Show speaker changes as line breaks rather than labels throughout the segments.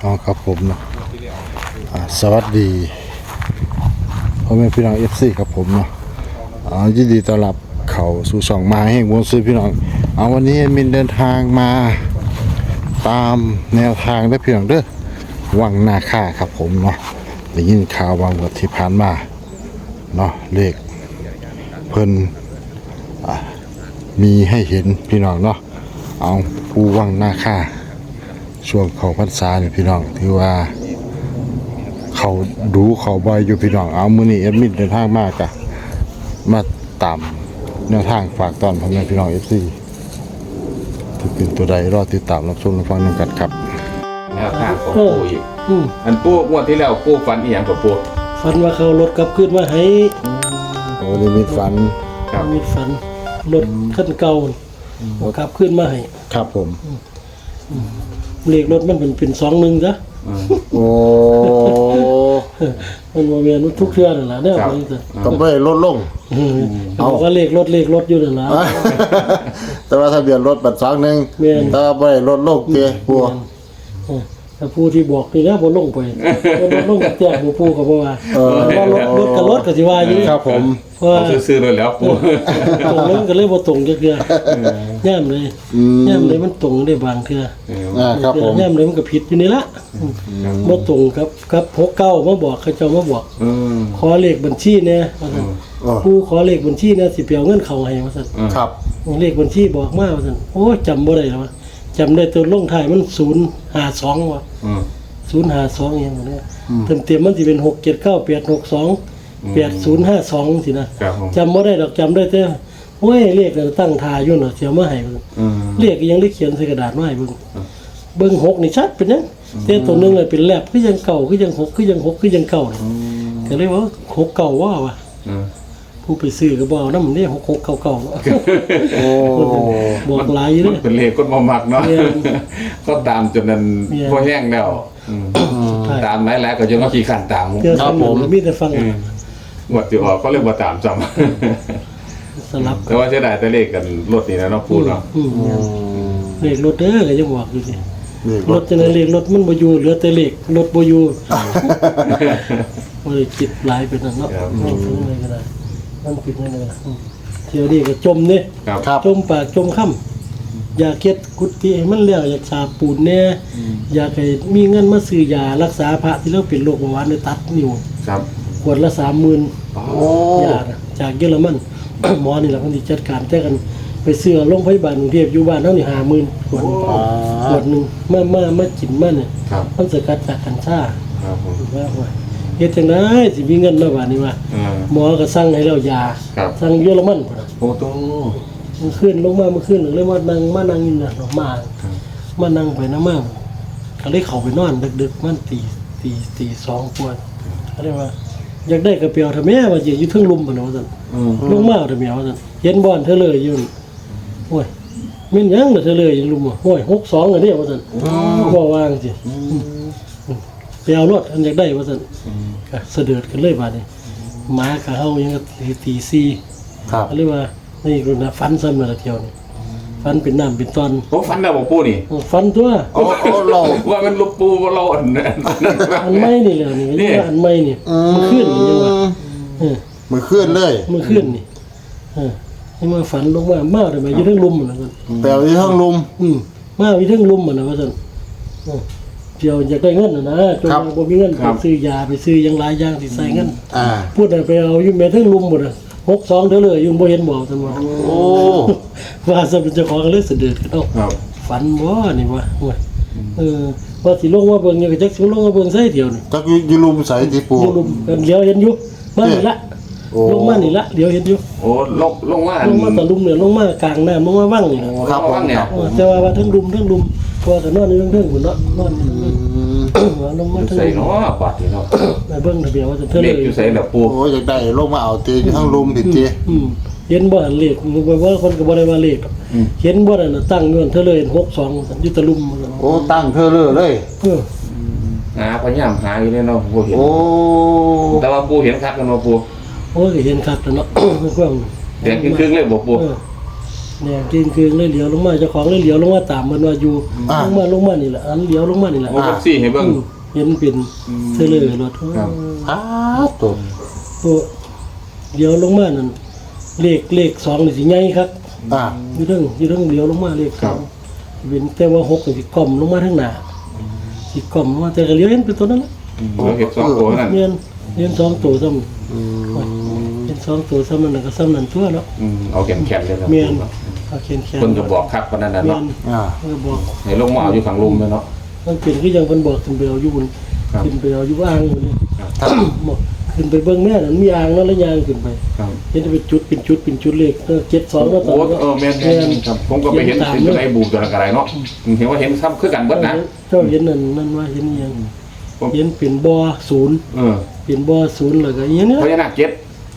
อ๋อครับผมเนาะสวัสดีพ่อแม่พี่น้องFCครับผมเนาะยินดีต้อนรับเข้าสู่ช่องมาแห่งวงซื้อพี่น้องวันนี้มินเดินทางมาตามแนวทางได้พี่น้องเด้อวังนาค่าครับผมเนาะได้ยินข่าววังวันที่ผ่านมาเนาะเลขเพิ่นมีให้เห็นพี่น้องเนาะเอาผู้วังนาค่าช่วงเข้าพรรษาเนี่ยพี่น้องที่ว่าเขาดูเขาบ่อยอยู่พี่น้องมื้อนี้แอดมินเดินทางมากะมาตามแนวทางฝากตอนพ่อแม่พี่น้อง FC ที่เป็นตัวใดรอติดตามรับชมรับฟังกันครับ
แนวทางของปู่อีกอันปู่งวดที่แล้วปู่ฝันอีหยังกับปู่
ฝันว่าเขารถกลับขึ้นมาให้
โอ้นี่มีฝัน
ครับ
มีฝันรถคันเก่ากลับขึ้นมาให้
ครับผม
เลขรถมันเป็น21ซะ
โอ้
มันบ่แม่นทุกเทื่อนั่นล่ะแนวนี้ซะ
ต้องไปลดลง
เอาว่าเลขรถอยู่นั่นล่ะ
แต่ว่าทะเบียนรถบัตร2นึงแต่ว่าบ่ได้ลดลงเด้ปู่
ถ้าผู้ที่บอกนี่นะบ่ลงไปบ่ลงกับแจ้งผู้ก็บ่ว่ารถกับรถก็สิว่าอยู่
ครับผม
เอาซื้อๆเลยแล้วปู่
ตรงนั้นก็เลยบ่ตรงจักเทื่อย่ามเลยมันตรงได้บางเทื่อ
ครับผม
ย่ามเลยมันก็ผิดอยู่นี่ละบ่ตรงครับ69มาบอกเขาเจ้ามาบอกขอเลขบัญชีแน่ว่าซั่นผู้ขอเลขบัญชีแน่สิไปเอาเงินเข้าให้ว่าซั่น
ครับ
เลขบัญชีบอกมาว่าซั่นโอ้จำบ่ได้แล้วจำได้ตัวลงท้ายมัน052ว่ะ052อย่างนี้เต็มๆมันสิเป็น67986288052สินะจำบ่ได้ดอกจำได้แต่โอ้ยเลขตั้งท่าอยู่น่ะเสียมาให้เลขยังได้เขียนใส่กระดาษมาให้เบิ่ง6นี่ชัดเป็นจังแต่ตัวนึงเป็นแลบคือยังเก่าคือยัง6คือยัง6คือยังเก่าก็เลยว่า6เก่าว่ะผู้ไปซื้อก็บ่เอานำนี่6699โอ้บอกหลายอยู่เด้
เป็นเลขคนบ่มักเนาะก็ตามจนนั้นบ่แห้งแล้วตามหลายๆก็จนว่าขี้ขันตาม
ครับผมมีแต่ฟัง
งวดที่ออกก็เลยบ่ตามซ้ำ
สลับ
แต่ว่าเสียดายแต่เลขกันรถนี่นะเนาะปู่เนาะ
เลขรถเด้อก็ยังบอกอยู่นี่รถจังได๋เลขรถมันบ่อยู่เหลือแต่เลขรถบ่อยู่บ่ได้คิดหลายเป็นนั่นเนาะอะไรก็ได้มันผิดนั่นน่ะเที่ยวนี้ก็จมนี่จมปากจมค่ำอยากเฮ็ดกุฏิให้มันแล้วอยากสาปูนแน่อยากให้มีเงินมาซื้อยารักษาพระที่เราเป็นโรคเบาหวานได้ตัดนิ้ว
ครับ
ขวดละ 30,000ยาจากเยอรมันหมอนี่ล่ะเพิ่นสิจัดการแต่กันไปซื้อโรงพยาบาลกรุงเทพอยู่บ้านเฮานี่ 50,000 ขวดนึงมากินมาเนี่ยมันสกัดจากกัญชา
ครับผม
ว่าเฮ็ดจังได๋สิมีเงินมาบาดนี้ว่าหมอก็สั่งให้แล้วยาสั่งเยอรมันพุ่นน่ะ
โอ้โต
มันขึ้นลงมาเมื่อคืนเลยมานั่งอยู่น่ะมานั่งไปนำมาก็เลยเข้าไปนอนดึกๆมันตี2กว่าก็เลยว่าอยากได้กระเปียวทำแม่ว่าอยู่เทิงลุมพุ่นว่าซั่นลงมาทำแม่ว่าซั่นเห็นบ่อนเธอเลยอยู่โอ้ยแม่นยังเธอเลยอยู่ลุมโอ้ย62อันนี้ว่าซั่นบ่วางสิไปเอารถอันอยากได้ว่าซั่นก็เสด็จกันเลยบาดนี้หมาก็เฮายังตี4
ครับ
ก็เลยว่านี่รุ่นน่ะฟันซ้ำน่ะเที่ยวนี่ฟันเป็นน้ำเป็นตอน
โอ้ฟันแล้วบ่ปู่นี่
ฟันตัว
โอ้เราว่ามันลูกปู่บ่เราอัน
ไม่นี่แหละนี่อันไม่นี่มันขึ้นนี่ว่า
มันขึ้นเลย
มันขึ้นนี่นี่มาฝันลงมาได้มาอยู่เทิงลุมน่ะซั่น
แต่อยู่เทิงลุม
มาอยู่เทิงลุมน่ะว่าซั่นเดี๋ยวอยากได้เงินนะจนบ่มีเงินไปซื้อยาไปซื้อยังหลายอย่างที่ใส่เงินพูดไปเอาอยู่แม่ทั้งลุมหมดอ่ะ62เด้อเลยอยู่บ่เห็นบ่ซั่นว่า
โอ้
ว่าซะเป็นเจ้าของเลยเสด็จกันเนาะฝันบ่นี่ว่าว่าสิลงมาเบิ่งอยู่ก็จักสิลงมาเบิ่งใส่เดียวนี่
จักอยู่ลุมใส่ที่ปู่
อยู่ลุมเดี๋ยวเห็นอยู่มานี่ละลงมานี่ละเดี๋ยวเห็นอยู่
โอ้ลงมา
ตะลุมเนี่ยลงมากลางน้ำลงมาว่างนี่
ครับว่างเนี่ย
แต่ว่าทั้งลุมพอก็นอนอยู่เทิงพุ่นเนาะนอนลงมา
ใส่เนาะบาดนี่เนาะ
เบิ่งทะเบียนว่าจะเท่า
เลขอยู่ใส่แล้วปู่
โอ้อยากได้ลงมาเอาตีอยู่ทั้งลุมผิดติ
เห็นบ่เลขว่าคนก็บ่ได้ว่าเลขเห็นบ่นั่นน่ะตั้งอยู่เท่าเลย62อยู่ตะลุม
โอ้ตั้งเท่าเลย
พยายามหาอยู่เนาะบ่เห็น
โอ้
แต่ว่าปู่เห็นคักกันบ่ปู่
โอ้ยเห็นคักแล้วเนาะความ
แดงครึ่งๆเลยบ่ปู่
เนี่ยคืนเลยเหลียวลงมาเจ้าของเลยเหลียวลงมาตามมันว่าอยู่ลงมานี่แหละอันเหลียวลงมานี่แหละ
โอ้เอฟซีให้เบิ่ง
เห็นเป็นเทเลอร์รถ
ครับ
อ้าวตัว
ตัวเดี๋ยวลงมานั่นเลข2นี่สิใหญ่ครับ อยู่เรื่องเดี๋ยวลงมาเลข2เป็นแต่ว่า6นี่สิกล่อมลงมาทางหน้าสิกล่อมลงมาแต่ก็เลี้ยวเห็นเป็นตัวนั้นละ
เราเห็นสองตัวนั่น
เรียน2ตัวซ้ำเป็น2ตัวซ้ำนั่นก็ซ้ำนั่นตัวเนาะ
เอาแข็งๆเลยครับ
เมียนเอาแขน
เพิ่นก็บอกคักปานนั้นน่ะ
เมีย
เนาะ
นก็บอก
ให้ลงมาเอาอยู่ข้างลุมเลยเนาะ
มันเป็นคือยังเพิ่นบอกขึ้นไปเอาอยู่บน
ครับ
ขึ้นไปเอาอยู่อ่างอยู่นี่บอกขึ้นไปเบิ่งแม่นั่นมีอ่างแล้วยางขึ้นไป
ครับ
เห็นเป็นจุดเลข72แล้วตอ
โอ้
นนี้
แม่นๆครับผมก็ไปเห็นอยู่ในบูมตัวนั้นก็ได้เนาะเห็นว่าเห็นซ้ำคือกันเบิดนะ
เจ้าเห็นนั่นว่าเห็นอีหยังเห็นเป็นบ่อศูนย์ เป็นบ่อศูนย์แล้วก็อีหยังเนี่ย
พญานาคเจ็ด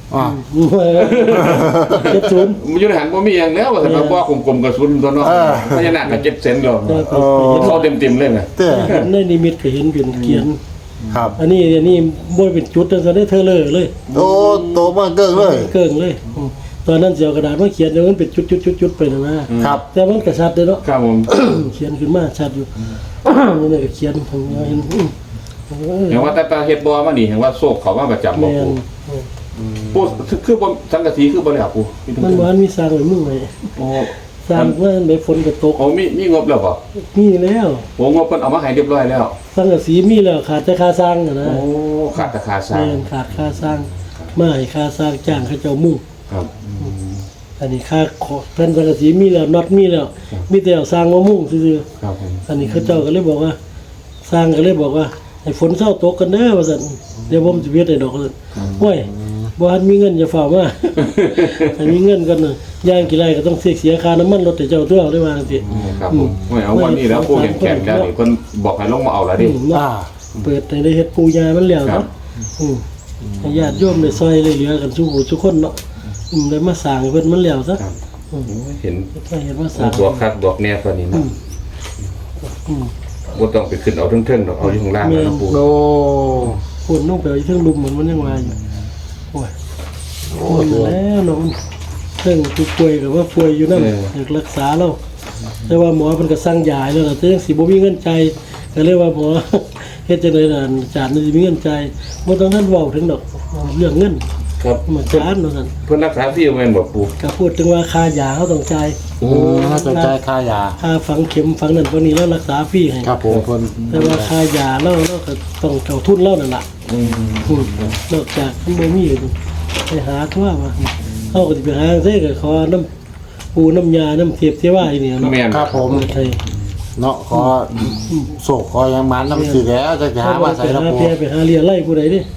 70
มันอยู่ในหันบ่มีอย่างแล้วว่าแต่ว่าบ่กลมๆกระสุนตัวเนาะพญานาคก็7เซนแล้วเข้าเต็มๆเลยนะ
เต้
เห็นในนิมิตก็เห็นเป็นเขียน
ครับ
อันนี้บ่เป็นจุดจังซั่นได้เธอเลย
โอ้โตมาเกิงเลย
เกิ่งเลยตอนนั้นสิเอากระดาษมาเขียนเดี๋ยวมันเป็นจุดๆๆไปนะครับ แต่มันก็ชัดเด้เนาะ
ครับผม
เขียนขึ้นมาชัดอยู่ นี่ก็เขียนผมเห็น
เห็นว่าแต่เฮ็ดบ่มานี่เห็นว่าโศกเขามาประจำบ่
แม่น
ปู่คือบ่สังกะสีคือบ่ได้ครับปู่
มันบ่ทันมีสร้างไว้มึงไว้
โอ้
สร้างว่าได้ฝนก็ตก
โอ้มีงบแล้วบ่
มีแล้ว
โอ้งบเพิ่นเอามาให้เรียบร้อยแล้ว
สังกะสีมีแล้วขาดแต่ค่าสร้างน่ะนะ
โอ้ขาดราคาสร้าง
แม่นขาดค่าสร้างมาให้ค่าสร้างจ้างเขาเจ้ามุ่ง
ครับ
อันนี้ค่าแผ่นสังกะสีมีแล้วน็อตมีแล้วมีแต่เอาสร้างมามุ่งซื่อ
ครับผม
ๆอันนี้เขาเจ้าก็เลยบอกว่า สร้างก็เลยบอกว่าให้ฝนเศร้าตกกันเด้อว่าซั่นเดี๋ยวผมสิเฮ็ดให้ดอกว่าซั่นโอ้ยบ่ทันมีเงินอย่าฝ่ามา ถ้ามีเงินกันน่ะย่างกี่ไรก็ต้องเสียค่าน้ำมันรถให้เจ้าตัวได้ว่าจังซี่
ครับผมโอ้ยเอาวันนี้แล้วปู่เห็นแขนแล้วนี่เพิ่นบอกให้ลงมาเอาแล้วดิ
เปิดให้ได้เฮ็ดปูยามันแล้ว
ครั
เนาะ
บ
ให้ญาติโยมได้ซอยได้เหลือกันทุกผู้ทุกคนเนาะได้มาสร้างให้เพิ่นมันแล้วซะ
ครับเห็น
ถ้าเห็นว่าสร้าง
บวกคักบวกแน่ตัวนี้เนาะ
อืม
บ่ต้องไปขึ้นเอาเทิงๆดอกเอาอยู่ข้างล่างแล้วนะปู่
โอ้
คนลงไปเอาอยู่เทิงลุมเหมือนมันยังว่าอยู่โอ้ยมันแล้วเนาะมันเทิงผู้ป่วยก็ว่าป่วยอยู่นั่นอยากรักษาเราแต่ว่าหมอเพิ่นก็สั่งยาให้แล้วล่ะแต่ยังสิบ่มีเงินจ่ายก็เลยว่าหมอ เฮ็ดจังได๋ล่ะอาจารย์นี่สิมีเงินจ่ายบ่ต้องท่านเว้าถึงดอกเรื่องเงิน
ครับ
มาจานเนาะซั่น
เพิ่นรักษาฟรีแม่นบ่ปู่
ก็พูดถึงว่าค่ายาเขาต้องจ่าย
จะจ่ายค่ายา
ค่าฝังเข็มฝังนั่นฝังนี้แล้วรักษาฟรีให้
ครับผมคน
แต่ว่าค่ายาเราก็ต้องเท่าทุนเรานั่นล่ะนอกจากมันบ่มีไปหาทั่วว่าเฮาก็สิไปหาจังซี่ก็ขอน้ำปูน้ำยาน้ำเทียบเทว่าอีนี่เนาะ
แม่น
ครับผม
ใช่
เนาะขอโศกขอยังมันน้ำสีแล้วจะหามาใส่
ไป
ระ
หา
ปู
เพียไปหาเรียไล่ผู้ใดเด้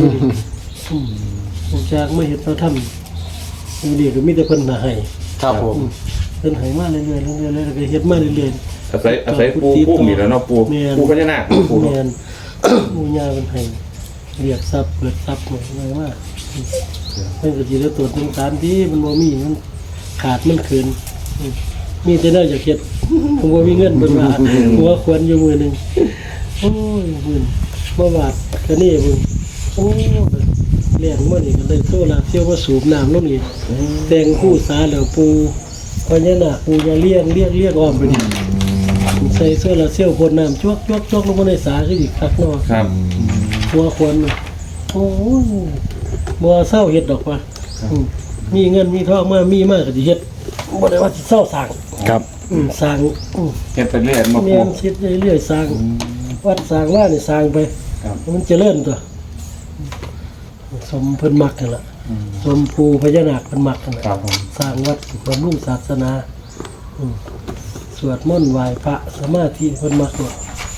ผมจากไม่เห็นเราทำอยู่ดีก็มีแต่เพิ่นน่ะให้
ครับผม
เพิ่นให้มาเรื่อยๆเรื่อยๆแล้วก็เฮ็ดมาเรื่อยๆ
อาศัยปู่พุ่มนี่แหล้วเนาะปู่
แม่น
ปู่พญานาคปู่
แม
เนาะ
น มูยาเป็นไห้เรียกทรัพย์เปิดทรัพย์หมดเลยว่ามันก็จีแล้วตรวจหนึ่งสารที่มันบ่มีมันขาดมันคืนมีแต่น่าจะเข็ดผมว่ามีเงินเบิ่งว่าหัวควรอยู่มือหนึ่งโอ้ยมือบ่บาทก็นี่มึงโอ้เลี้ยงมันนี่ก็เลยโซลาเที่ยวมาสูบน้ำลงนี่แต่งคู่สาแล้วปูพญานาคปูยาเลี้ยงอ้อมไปนี่ใส่โซลาเซี่ยวพ่นน้ำจวกลงมาในสาคืออีกคักเนาะ
ครับ
หัวควรโอ้ยบ่เศร้าเฮ็ดดอกว่ามีเงินมีทองมามีมากก็สิเฮ็ดบ่ได้ว่าสิเศร้าสร้าง
ครับ
สร้าง
เฮ็ดไปเรื่อยมา
แม่
ปู่
นคิดเรื่อยๆสร้างวัดสร้างว่านี่สร้างไป
ครับ
มันเจริญตัวสมเพิ่นมักนั่นล่ะสมภูพญานาคเพิ่นมักนั่นล่ะ
ครับผม
สร้างวัดบำรุงศาสนาสวดมนต์ไหว้พระสมาธิเพิ่นมักเนี่ย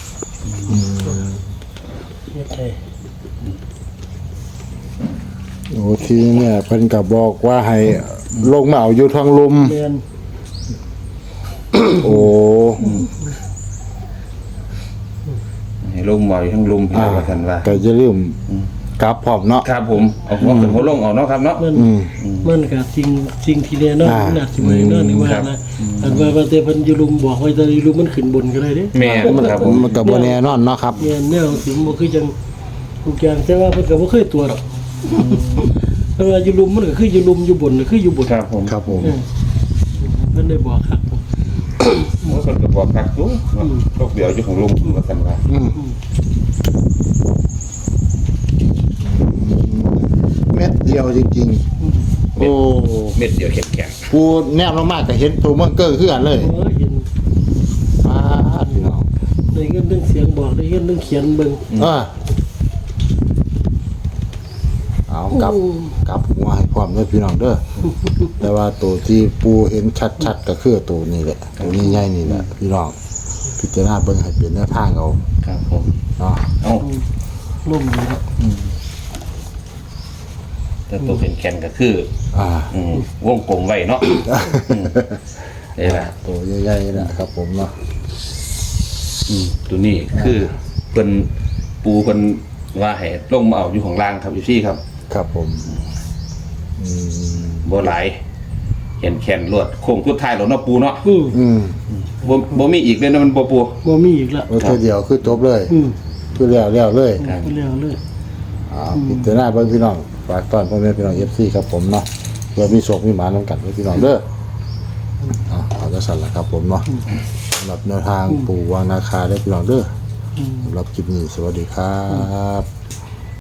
เฮ็ดให้
โอ้ทีเนี่ยเพิ่นก็บอกว่าให้ลงมาเอาอยู่ทางลุม
แม่น
โอ้
ให้ลงมาอยู่ทั้งลุมพี่ว่าซั่นว่า
ก็จะลืมกลับพร้อมเนาะ
ครับผมเอาหัวขึ้นหัวลงเอาเนาะครับเนาะ
มันก็สิ่งที่แน่นอนน่าสิบ่แน่นอนนี่ว่านะอันว่าแต่เพิ่นอยู่ลุมบอกไว้แต่อยู่ลุมมันขึ้นบนก็ได้เด้
แม่นครับผม
มันก็บ่แน่นอนเนาะครับ
แม่นแนวสิบ่คือจังทุกอย่างแต่ว่าเพิ่นก็บ่เคยตัวหรอกแต่ว่าอยู่ลุมมันก็คืออยู่ลุมอยู่บนก็คืออยู่บน
ครับผม
ครับผม
เออพิ่นได้บอกครับ
โอ้คนก็บอกคักอยู่โรคเดียวอยู่ของลุงว่าซั่นว่า
เม็ดเดียวจริงๆโอ้
เม็ดเดียวแข็ง
ปูแนบลงมากก็เห็นตัวเมืองเกิ้งคือกันเลย
เห็น
ปาดพี่น้อง
ได้เงินเรื่องเสียงบอกได้เงินเรื่องเขียนเบิ่ง
เอากลับหัวให้พร้อมเด้อพี่น้องเด้อแต่ว่าตัวที่ปูเห็นชัดๆก็คือตัวนี้แหละตัวนี้ใหญ่นี่แหละพี่น้องพิจารณาเบิ่งให้เป็นแนวทางเอา
ๆครับผม
เนาะ
เอ้า
ล่มดีแล้ว
แต่ตัวแข็งๆก็คือ วงกลมไว้เนาะนี่แหละ
ตัวใหญ่ๆนะครับผมเนาะ
ตัวนี้คือเพิ่นปูเพิ่นว่าให้ลงมาเอาอยู่ของล่างครับอยู่ที่ครับ
ครับผม
บ่หลายแขนลวดโค้งสุดท้ายแล้วเนาะปูเนาะ บ่มีอีกเลยนะมันบ่ปู
บ่มีอีกละ
ว่าตัวเดียวคือจบเลย คือแล้วเลย
ไปแล้วเลย
พิจารณาเบิ่งพี่น้องฝากต้อนพ่อแม่พี่น้อง FC ครับผมเนาะเพื่อมีโชคมีหมานำกันไว้พี่น้องเด้อเอาจะสั่นละครับผมเนาะสำหรับแนวทางปู่วางนาคาได้พี่น้องเด้อสำหรับคลิปนี้สวัสดีครับ